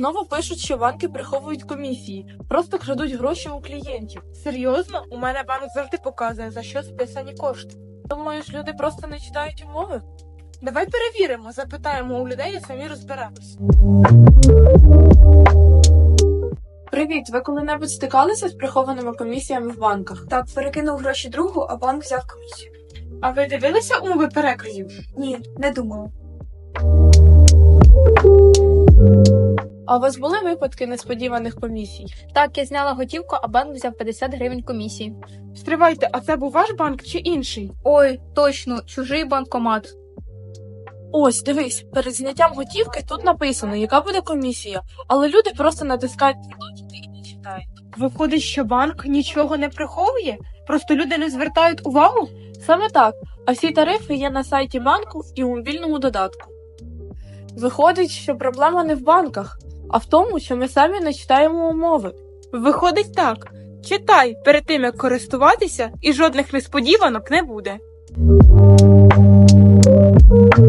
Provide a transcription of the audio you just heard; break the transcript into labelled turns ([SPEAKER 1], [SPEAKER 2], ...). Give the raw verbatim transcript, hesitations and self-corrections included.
[SPEAKER 1] Знову пишуть, що банки приховують комісії, просто крадуть гроші у клієнтів.
[SPEAKER 2] Серйозно? У мене банк завжди показує, за що списані кошти.
[SPEAKER 1] Думаєш, люди просто не читають умови?
[SPEAKER 2] Давай перевіримо, запитаємо у людей і самі розберемось.
[SPEAKER 1] Привіт, ви коли-небудь стикалися з прихованими комісіями в банках?
[SPEAKER 3] Так, перекинув гроші другу, а банк взяв комісію.
[SPEAKER 2] А ви дивилися умови переказів?
[SPEAKER 3] Ні, не думала.
[SPEAKER 1] А у вас були випадки несподіваних комісій?
[SPEAKER 4] Так, я зняла готівку, а банк взяв п'ятдесят гривень комісії.
[SPEAKER 2] Стривайте, а це був ваш банк чи інший?
[SPEAKER 4] Ой, точно, чужий банкомат.
[SPEAKER 1] Ось, дивись, перед зняттям готівки тут написано, яка буде комісія, але люди просто натискають «Продовжити» і не читають.
[SPEAKER 2] Виходить, що банк нічого не приховує? Просто люди не звертають увагу?
[SPEAKER 1] Саме так, а всі тарифи є на сайті банку і у мобільному додатку. Виходить, що проблема не в банках, а в тому, що ми самі не читаємо умови.
[SPEAKER 2] Виходить так. Читай перед тим, як користуватися, і жодних несподіванок не буде.